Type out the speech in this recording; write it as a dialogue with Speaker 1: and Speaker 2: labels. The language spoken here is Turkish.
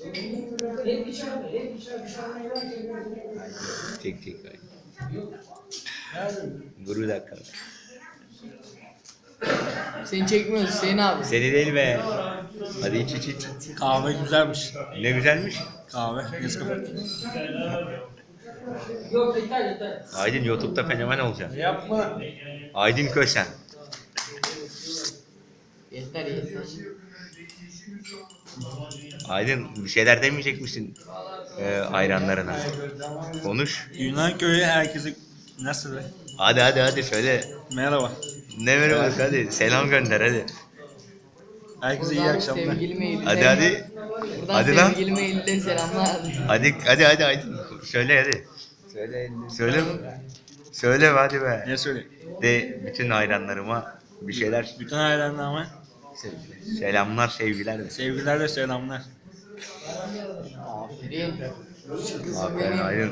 Speaker 1: Çek çek. Guru dakika.
Speaker 2: Seni çekmiyoruz Hüseyin abi.
Speaker 1: Seni değil be. Hadi iç iç iç.
Speaker 3: Kahve güzelmiş.
Speaker 1: Ne güzelmiş.
Speaker 3: Kahve. Nescafe.
Speaker 1: Aydın YouTube'da fenomen olacaksın.
Speaker 3: Yapma.
Speaker 1: Aydın Kösen.
Speaker 2: Yeter yeter.
Speaker 1: Aydın bir şeyler demeyecek misin hayranlarına? Konuş.
Speaker 3: Yunan köyü herkese nasıl be?
Speaker 1: Hadi söyle.
Speaker 3: Merhaba.
Speaker 1: Ne merhaba hadi. Selam gönder hadi.
Speaker 3: Herkese iyi
Speaker 2: Buradan
Speaker 3: akşamlar.
Speaker 2: sevgili Eylül'e.
Speaker 1: Hadi.
Speaker 2: Buradan
Speaker 1: Hadi lan.
Speaker 2: sevgili Eylül'e selamlar.
Speaker 1: Hadi Aydın. Söyle hadi. Söyle. Söyle hadi be.
Speaker 3: Ne söyle?
Speaker 1: De bütün hayranlarıma bir şeyler
Speaker 3: Bütün hayranlarıma
Speaker 1: selamlar sevgiler de.
Speaker 3: sevgiler ve selamlar.
Speaker 2: Aferin. Kızım
Speaker 1: Aferin
Speaker 2: benim.
Speaker 1: Aydın.